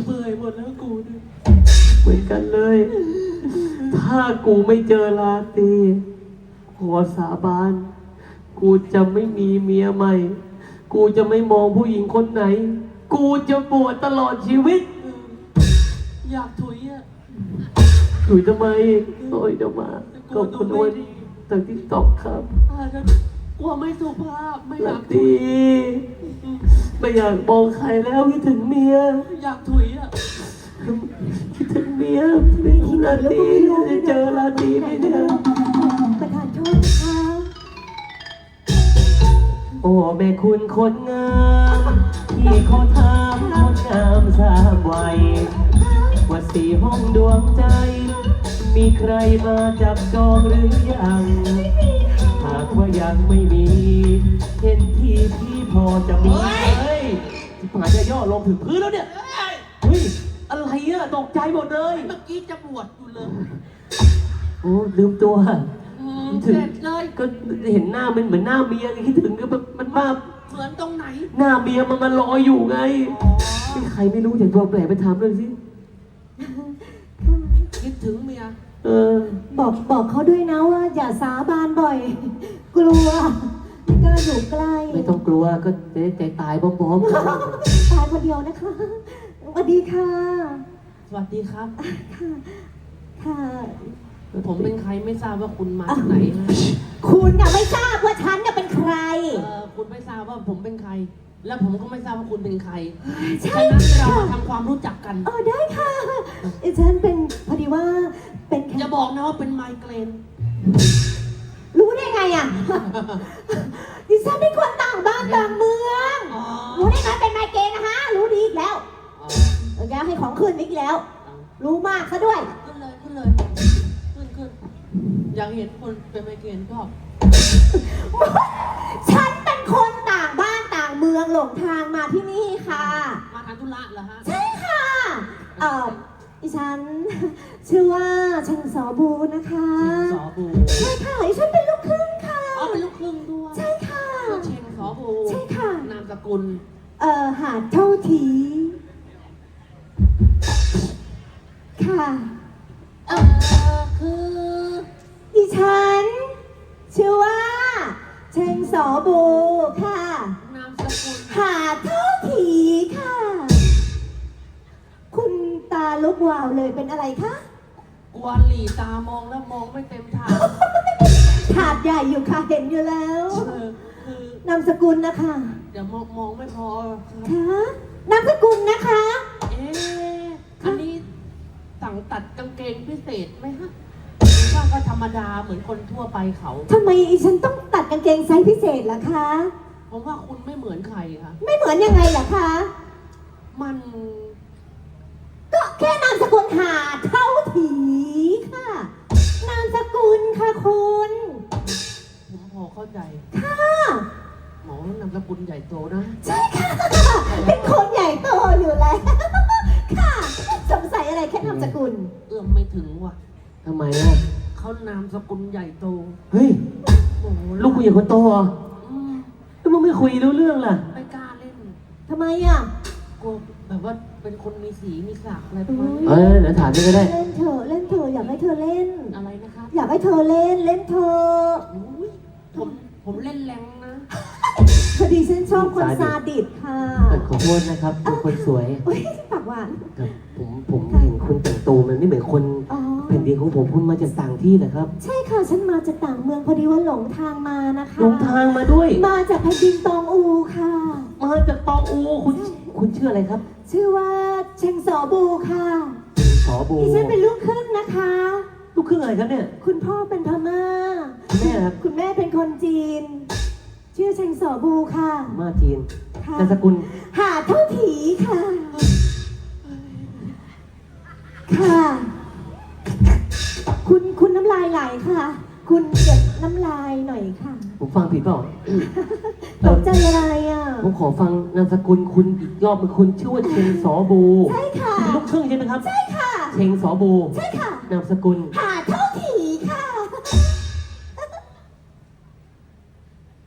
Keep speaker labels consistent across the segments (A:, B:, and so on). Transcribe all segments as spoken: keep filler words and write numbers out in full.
A: เบื่อหมดแล้วกูเนี่ย
B: เหมือนกันเลย ถ้ากูไม่เจอลาตรีขอสาบานกูจะไม่มีเมียใหม่ กูจะไม่มองผู้หญิงคนไหน กูจะบวชตลอดชีวิต
A: อยากถุยอ่ะ
B: ถุยทำไมโอ้ยเดี๋ยวมาก็คนอ้วนจากที่ตอกครับ
A: อ่าแล้วกลัวไม่สุภาพไม่อาก
B: ลายตรีไม่อยากมองใครแล้วคิดถึงเมีย
A: อยากถุยอ่ะ
B: คิดถึงเมียไม่คิดลาตรีจะเจอลาตรีไหมเนี่ย
C: ประธานโทษนะคะ
B: โอ้แม่คุณคนงามที่เขาทำคนงามสามวัยว่าสี่ห้องดวงใจมีใครมาจับจองหรือยังหากว่ายังไม่มีเห็นที่พี่พอจะมีเฮ้ยที่ผ่านจะย่อลงถึงพื้นแล้วเนี่ยเฮ้ยอะไรอะตกใจหมดเลย
A: เมื่อกี้จะบวชอยู่เลย
B: โอ้ลืมตัว
A: ถึงเลย
B: ก็เห็นหน้ามันเหมือนหน้าเมียคิดถึงก็มันมา
A: เหมือนตรงไหน
B: หน้าเมียมันมาลอยอยู่ไงใครไม่รู้อย่างตัวแปลกไปถามเลยสิ
A: คิดถึงเมีย
B: เออ
C: บอกบอกเขาด้วยนะว่าอย่าสาบานบ่อย กลัวไม่กล้าอยู่ใกล้
B: ไม่ต้องกลัวก็จะได้ใจตายพร้อมๆกัน
C: ตายคนเดียวนะคะสวัสดีค่ะ
A: สวัสดีครับ
C: ค่ะค่ะ
A: ผมเป็นใครไม่ทราบว่าคุณมาจากไหนนะ
C: คุณน่ะไม่ทราบว่าฉันน่ะเป็นใคร
A: เออคุณไม่ทราบว่าผมเป็นใครแล้วผมก็ไม่ทราบว่าคุณเป็นใครฉะนั้นเรามาทำความรู้จักกัน
C: เออได้ค่ะฉันเป็นพอดีว่าเป็น
A: จะบอกนะว่าเป็นไมเกรน
C: รู้ได้ไงอ่ะดิฉันเป็นคนต่างบ้านต่างเมืองรู้ได้ไงเป็นไมเกรนนะฮะรู้ดีอีกแล้วเออแกให้ของขึ้นอีกแล้วรู้มากซะด้วย
A: ขึ้นเลยขึ้นเลยขึ้นขึ้นอยากเห็นคนเป็นไมเกรนก็
C: ฉันเป็นคนต่างบ้านต่างเมืองหลงทางมาที่นี่ค่ะ
A: มาทำธุระเหรอฮะ
C: ใช่ค่ะเอ่อดิฉันชื่อว่าเชงสอบูนะคะ
A: เชงสอบู
C: ใช่ค่ะดิฉันเป็นลูกครึ่งค่ะ
A: อ๋อเป็นลูกครึ่งด้วย
C: ใช่ค่ะ
A: เชงสอบู
C: ใช่ค่ะ
A: นามสกุล
C: เอ่อหาดเท่าทีค่ะ
A: เออคือ
C: ดิฉันชื่อว่าเชงสอบูค่ะ
A: นามสกุล
C: หาดเท่าทีค่ะคุณตาลุกวาวเลยเป็นอะไรคะ
A: กวนหลีตามองแล้วมองไม่เต็มถาด
C: ถาดใหญ่อยู่ค่ะเห็นอยู่แล้ว
A: คื
C: อนามสกุลนะคะ
A: เดี๋ยวมองมองไม่พอ
C: ค่ะนามสกุลนะคะ
A: เอ๊ะอันนี้สั่งตัดกางเกงพิเศษไหมฮะว่าก็ธรรมดาเหมือนคนทั่วไปเขา
C: ทำไมฉันต้องตัดกางเกงไซส์พิเศษล่ะคะ
A: ผมว่าคุณไม่เหมือนใครค่ะ
C: ไม่เหมือนยังไงล่ะคะ
A: มัน
C: ก็แค่นามสกุลหาเท่าถีค่ะนามสกุลค่ะคุณ
A: ผมพอเข้าใจ
C: ค่ะ
A: หมอนามสกุลใหญ่โตนะ
C: ใช่ค่ะเป็นคนใหญ่โตอยู่แล้วค่ะสงสัยอะไรแค่นามสกุล
A: เอื้อมไม่ถึงว่ะ
B: ทำไมอ่ะ
A: เขานามสกุลใหญ่โต
B: เฮ้ยลูกกูใหญ่คนโตอ่ะแล้วมึงไม่คุยรู้เรื่องล่ะ
A: ไม่กล้าเล่น
C: ทำไมอ่ะ
A: กลัวแบบว่าเป็นคนมีสีมีสักอะไรประมาณ
B: นี้เออเดี๋ยวถามนี่ก็ได้
C: เล่นเธอเล่นเธออยากให้เธอเล่น
A: อะไรนะครับ
C: อยากให้เธอเล่นเล่นเธอ
A: ผมผมเล่นแรงนะ
C: พอดีฉันชอบคนซาดิสค่ะ
B: ขอโทษนะครับเป็นคนสวย
C: ปากหวาน
B: ผมผมเห็นคุณแต่งตัวมันไม่เหมือนคนแผ่นดินของผมคุณมาจากต่างที่นะครับ
C: ใช่ค่ะฉันมาจากต่างเมืองพอดีว่าหลงทางมานะคะ
B: หลงทางมาด้วย
C: มาจากแผ่นดินตองอูค่ะ
B: มาจากตองอูคุณคุณชื่ออะไรครับ
C: ชื่อว่าเชงสอบูค่ะ
B: สอบู
C: ดิฉันเป็นลูกครึ่งนะคะ
B: ลูกครึ่งอะไรครับเนี่ย
C: คุณพ่อเป็นพม่า
B: แม่ครับ
C: คุณแม่เป็นคนจีนชื่อเชงสอบูค่ะ
B: มาจีนนามสกุล
C: หาเท่าถีค่ะค่ะคุณคุณน้ำลายไหลค่ะคุณเก็บน้ำลายหน่อยค่ะ
B: ผมฟังผิดเปล่า
C: ตกใจอะไรอ่ะ
B: ผมขอฟังนามสกุลคุณอีกรอบเป็นคุณชื่อว่าเชงสอบู
C: ใช่ค่ะ
B: เป็นลูกครึ่งใช่ไหมครับ
C: ใช่ค่ะ
B: เชงสอบู
C: ใช่ค่ะ
B: นามสกุล
C: หาเท่าถีค่ะ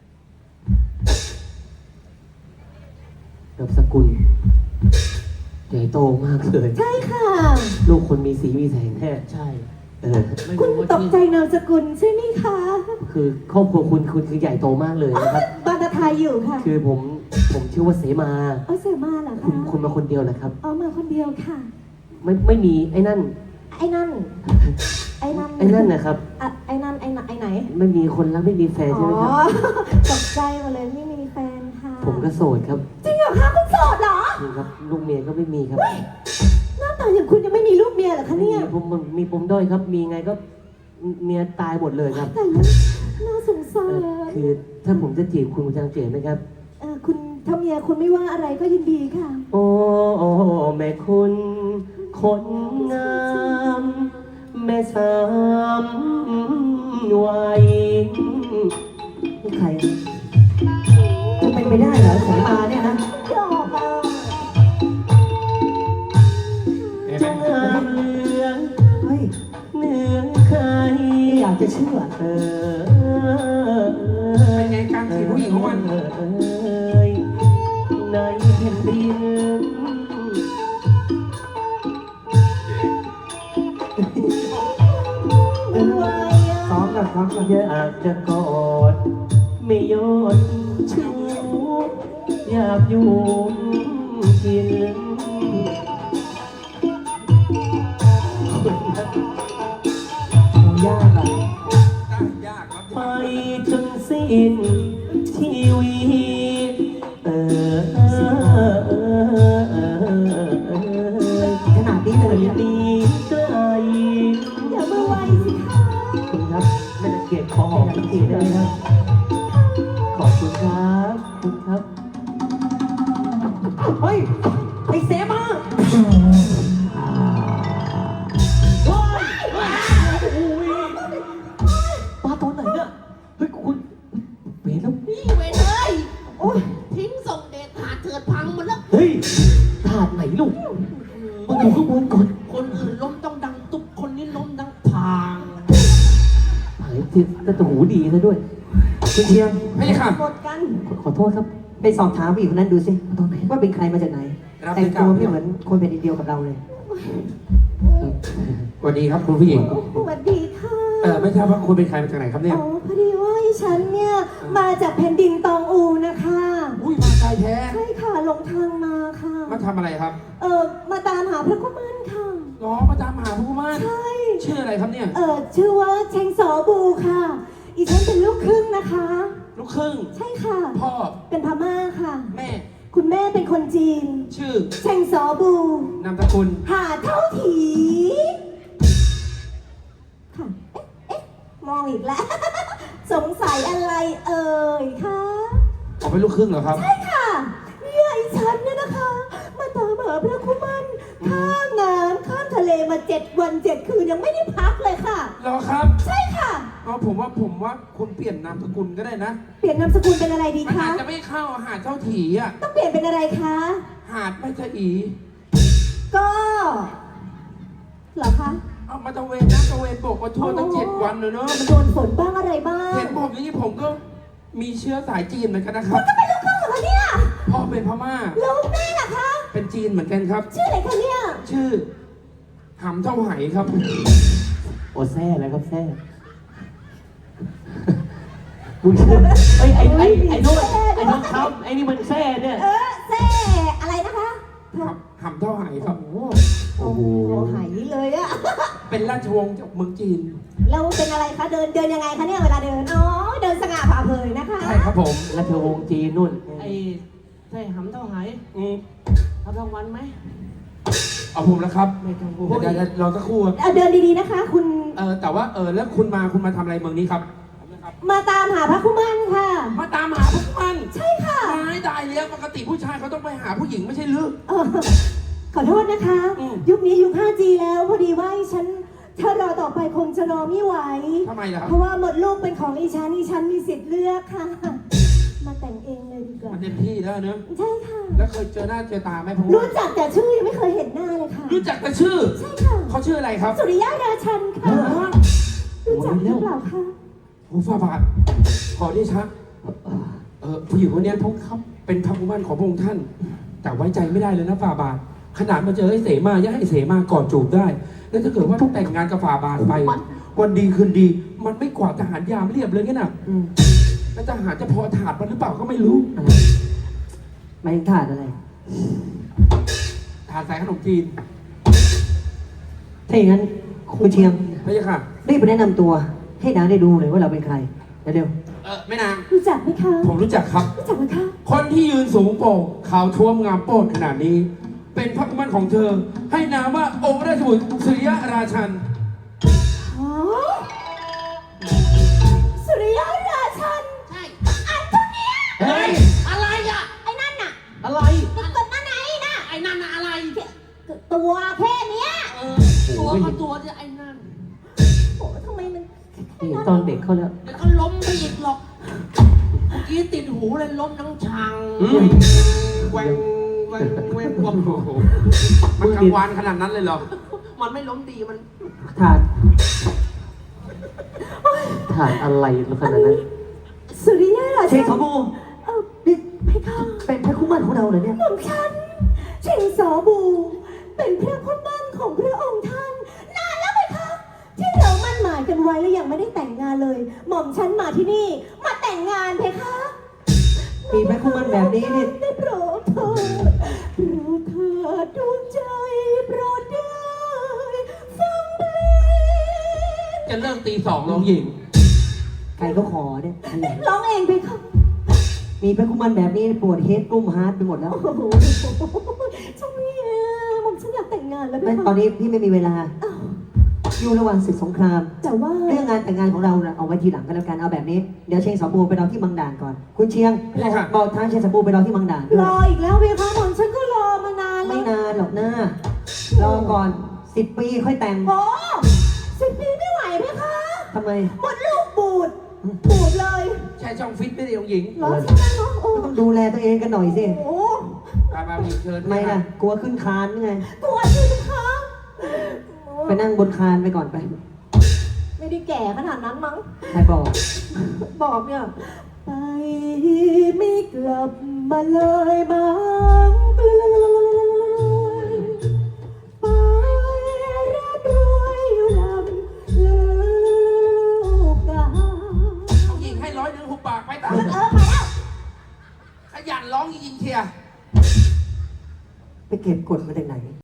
B: นามสกุลเชญ่โตมากเลย
C: ใช่ค่ะ
B: ลูกคนมีสีมีแสงแท้
A: ใช่
B: เออ
A: ไม่
C: คุณ
A: รู้ว่า
C: ตก
A: ที่
C: ใจนามสกุลใช่ไหมคะ
B: คือครอบครัวคุณคุณคือใหญ่โตมากเลยนะครับ
C: บานตาไทยอยู่ค่ะ
B: คือผมผมชื่อว่าเสมา
C: เอาเสียมาเหรอ
B: คุณ
C: คะ
B: คุณมาคนเดียวเหรอครับ
C: เอามาคนเดียวค่ะ
B: ไม่ไม่มีไอ้นั่น
C: ไอ้นั่น ไอ้นั่น
B: ไอ้นั่นนะครับ
C: อะไอ้นั่นไอ้ไหนไอ้ไหน
B: ไม่มีคนรักไม่มีแฟน
C: อ๋
B: ใช่ไหมครับ
C: อ ตกใจหมาเลยไม่มีแฟนค่ะ
B: ผมก็โสดครับ
C: จริงเหรอคะคุณโสดเหรอ
B: นี่ครับลูกเมียก็ไม่มีครับ
C: หน้าตาอย่างคุณยังไม่มีลูกเมียเหรอคะเนี่ย
B: ผมผมมีปมด้อยครับ มีไงก็เมียตายหมดเลยครับ
C: แต่ละน่าสงสา
B: เอ
C: ร
B: อคือถ้าผมจะจีบคุณคุณจะจีบไหมครับ
C: เออคุณถ้าเมียคุณไม่ว่าอะไรก็ยินดีค่ะ
B: โอ้แม่คุณคนงามแม่สามวัยนี่ใครจะเป็นไปได้เหรอสายมาเนี่ยนะ
C: หยอกอ่ะ
B: จงงามเหลือง
D: เฮ้ย
B: เหนือใคร
D: ไม่อยากจะเชื่อ
B: เออ
E: เป็นไงการจีบผู้หญิงของมัน
B: เอยในแผ่นดิน
C: ไม่ไหวอ่ะ
D: ซ้อมกับซ้อมกับ
B: อยากจะกอดไม่ยอดชูอยากอยู่กิน
D: โอ้ยากอ่ะ
E: ยากครับ
B: ไปจนสิ้นชีวิตเออเออเออเออเออ
D: ขนาดนี้เลยเนี่ย
B: ดีไกล
C: อย่ามาไวสิคะ
B: คุณครับไม่ได้เกียรติขอหอมสักทีได้ไหมครับ ขอบคุณครับขอบคุณครับ
D: เฮ้ย ไอ้เสมา
B: ปลาตอนไหนเนี่ยเฮ้ยคุณเวรแล้ว
A: นี่เว้ยเลยโอ้ยทิ้งส่งเดชหาเถิดพังหมดแล้ว
B: เฮ้ยถาดไหนลูกมึงอยู่ข้างบนก่อน
A: คนอื่นล้มต้องดังตุ๊บคนนี้ล้มดังพาง
B: หายทิศแต่หูดีซะด้วย
D: คุณเชียง
E: ไม่ค่ะ
C: หมดกัน
B: ขอขอโทษครับ
D: ไปสอบถามผู้หญิงคนนั้นดูสิ
B: ตอนไหน
D: ว่าเป็นใครมาจากไหน
E: รับ
D: แต่ง
E: ได้
D: ตัว
E: ครับ
D: ไม่เหมือนคนเป็นดินเดียวกับเราเลย
E: สวัสดีครับคุณผู้หญิง
C: สวัสดีค่ะ
E: เออไม่ทราบว่าคุณเป็นใครมาจากไหนครับเนี่ย
C: อ๋อพอดีว่าฉันเนี่ยมาจากแผ่นดินตองอูนะคะ
E: อุ้ยมาไกลแท้
C: ใช่ค่ะหลงทางมาค่ะ
E: มาทำอะไรครับ
C: เออมาตามหาพระกุมารค่ะ
E: ล้อมาตามหาผู้ม่าน
C: ใช่
E: ชื่ออะไรครับเนี่ย
C: เออชื่อว่าเชงสอบูค่ะ อีฉันเป็นลูกครึ่งนะคะ
E: ลูกครึ่ง
C: ใช่ค่ะ
E: พ่อ
C: เป็นพม่าค่ะ
E: แม่
C: คุณแม่เป็นคนจีน
E: ชื่อ
C: เชงสอบู
E: นามสกุล
C: หาเท่าถี ค่ะ เอ๊ะ เอ๊ะ มองอีกแล้ว สงสัยอะไรเอ่ยคะ
E: ออกเป็นลูกครึ่งเหรอครับ
C: ใช่ค่ะเนี่ยไอ้ฉันเนี่ยนะคะ มาตามหาพระคุมันข้ามน้ำข้ามทะเลมาเจ็ดวันเจ็ดคืนยังไม่ได้พักเลยค่ะ
E: เหรอครับ
C: ใช่ค่ะ
E: อ๋อผมว่าผมว่าคุณเปลี่ยนนามสกุลก็ได้นะ
C: เปลี่ยนนามสกุลเป็นอะไรดี
E: มัน
C: คะ
E: อาจจะไม่เข้าหาดเจ้าถีอ่ะ
C: ต้องเปลี่ยนเป็นอะไรคะ
E: หาดไม่ใช่อี
C: ก็เหรอคะ
E: เอามาตะเวนนะตะเวนบกมาทั่วตั้งเจ็ดวันเลยเนอะ
C: มันโดนฝนบ้างอะไรบ้าง
E: เห็นผมอย่างนี้ผมก็มีเชื้อสายจีนเหมือนกันนะครับ
C: ก็เป็นลูกครึ่งเหรอคะเนี่ย
E: พ่อเป็นพม่า
C: แล้วแม่ล่ะคะ
E: เป็นจีนเหมือนกันครับ
C: ชื่ออะไรคะเนี่ย
E: ชื่อหำเท่าไหครับ
B: โอแซ่แล้วครับแซ่มึงเชื่อไอ้ไอ้ไอ้ไอ้โน้นไอ้น้องคำไอ้นี่มันแซ่เนี่ย
C: เออแซ่อะไรนะคะ
E: หำหำเท่าไหครับ
C: โอ้โหหายเลยอะ
E: เป็นราชวงศ์จากเมืองจีน
C: แล้วเป็นอะไรคะ เดินเดินยังไงคะเนี่ยเวลาเดิน อ๋อ เดินสง่าผ่าเผยนะคะ
E: ใช่ครับผม
B: ราชวงศ์จีนนู่น
A: ไอ้ใช่หำเท่าไหร่
E: อืม
A: รับรางวัลไหม
E: เอาผมแล้วครับ
A: ไม่ต้องพูด
E: เดี๋ยวเดี๋ยวเราสักครู่
C: เอาเดินดีๆนะคะ คุณ
E: เออแต่ว่าเออแล้วคุณมาคุณมาทำอะไรเมืองนี้ครับ
C: มาตามหาพระคุมันค่ะ
E: มาตามหาพวกมัน
C: ใช่ค่ะ
E: ไม่ได้แล้วปกติผู้ชายเขาต้องไปหาผู้หญิงไม่ใช่หรือ
C: เออขอโทษนะคะ
E: อืม
C: ยุคนี้ยุค ห้าจี แล้วพอดีว่าฉัน ถ้ารอต่อไปคงจะรอไม่ไหว
E: ทำไมล่ะครับ
C: เพราะว่าหมดลูกเป็นของอีฉันอีฉันมีสิทธิ์เลือกค่ะ มาแต่งเองเลยดีกว่า
E: มันเต็มที่แล้วเนอะ
C: ใช่ค่ะ
E: แล้วเคยเจอหน้าเจอตาไหมผม
C: รู้จักแต่ชื่อยังไม่เคยเห็นหน้าเลยค่ะ
E: รู้จักแต่ชื่อ
C: ใช่ค่ะ
E: เขาชื่ออะไรครับ
C: สุริยะราชันค่ะ รู้จักหรือเปล่าคะ
E: โอ้ฝ่าบาทขอที่ชักเออผู้หญิงคนเนี้ยทงครับเป็นพระกุมารของพระองค์ท่าน แต่ไว้ใจไม่ได้เลยนะฝ่าบาทขนาดมาเจอไอ้เสมายังให้เสมากอดจูบได้ แล้วถ้าเกิดว่าต้องแต่งงานกับฝ่าบาทไป วันดีคืนดี มันไม่กวาดทหารยามเรียบเลยงั้นน่ะ
D: อืม
E: แล้วทหารจะพอถาดมันหรือเปล่าก็ไม่รู้
D: อะไรหมายถึงถาดอะไร
E: ถาดใส่ขนมจีน
D: ถ้าอย่างนั้นคุณเชียง
E: ไม่ใช่ค่ะ
D: รีบไปแนะนำตัว ให้นางได้ดูเลยว่าเราเป็นใครเร็ว
E: เออแม่นาง
C: รู้จักไหมคะ
E: ผมรู้จักครับ
C: รู้จักไหมคะ
E: คนที่ยืนสูงโป่งขาวท้วมงามโป้นขนาดนี้ เป็นพระกุมารของเธอ ให้นามว่าองค์ราชบุตรสุริยราชัน
C: อ๋อสุริยราชัน
A: ใช่
C: อันเท่าเนี้ย
E: เฮ้ย
A: อะไรอ่ะ
C: ไอ้นั่นน่ะ
A: อะไร
C: ไอ้ตัวนั่นไหนน่ะ
A: ไอ้นั่นน่ะอะไร
C: ตัวแค่เนี้ย
A: เออ ตัวก็ตัวที่ไอ้นั่น
C: โอ้ทำไมมัน
B: ๆนี่ตอนเด็กเขาแล้ว
A: เดี๋ยวก็ล้มไปอีกหรอก เมื่อกี้ติดหูเลยล้มทั้งชัง
E: อืม
A: แหวงแหวงแหวงวง
E: โอ้โหมันกลางวานขนาดนั้นเลยเหรอ
A: มันไม่ล้มดีมัน
D: ถาด
B: ถาดอะไรขนาดนั้น
C: สุริยรา
D: เช
C: ชั
D: ง
C: น
D: สมบู
C: เออนี่เพคะ
D: เป็นพระคู่มั่นของเราเหรอเนี่ย
C: หม่อมฉันเชงสอบู เป็นพระคุณมั่นของพระองค์ท่าน นานแล้วไหมคะที่เรามั่นหมายกันไว้แล้วยังไม่ได้แต่งงานเลย หม่อมฉันมาที่นี่ มาแต่งงานเพคะ
D: มีพระคู่มั่นแบบนี้นี่
C: ได้โปรดเถิดโปรดเถิดดวงใจโปรดได้ฟังเพลง
E: จะเลิกตีสองลงหญิง
D: ใครก็ขอเนี่ยนั่นแหละ
C: ร้องเองเพคะ
D: มีพระคู่มั่นแบบนี้ปวดเฮดกลุ้มฮาร์ดไปหมดแล้ว
C: โอ้โหเจ้าเมียหม่อมฉันอยากแต่งงานแล้วเพ
D: ไม่
C: คะ
D: ตอนนี้พี่ไม่มีเวลา
C: อ้าว
D: อยู่ระหว่างศึกสงคราม
C: แต่ว่า
D: เรื่องงานแต่งงานของเราน่ะเอาไว้ทีหลังก็แล้วกันเอาแบบนี้ เดี๋ยวเชียงสมบูไปรอที่มังด่านก่อน คุณเชียง
E: ได้ค่ะ
D: บอกทางเชียงสมบูไปรอที่มังด่านด้วย
C: รออีกแล้วเพคะหม่อมฉันก็รอมานานแล้
D: ไม่
C: วน
D: านหรอกนะรอก่อนสิบปีค่อยแต่ง
C: โอ้สิบปีไม่ไหวเพคะ
D: ทำไม
C: หมดลูกบูดบูดเลย
E: ใช่ช่องฟิตไม่ได้ลงหญิง
C: เหรอใช่ไหมเนาะโอ้
D: ต้องดูแลตัวเองกันหน่อยสิ
C: โอ้
E: มามามีเชิญ
D: ทำไมล่ะ กลัวขึ้นคานไง
C: กลัวสิเพคะ
D: ไปนั่งบนคานไปก่อนไป
C: ไม่ได้แก่ขนาดนั้นมั้ง
D: ใครบอก
C: บอกเนี่ย ไปไม่กลับมาเลยมั้งไปร่ำรวยอยู่ลำลูกกา
E: ลงหญิงให้ร้อยหนึ่งหุบปากไปตาม
C: เออไปแล้ว
E: ขยันร้องจริงๆเชียร์
D: ไปเก็บกดมาจากไหน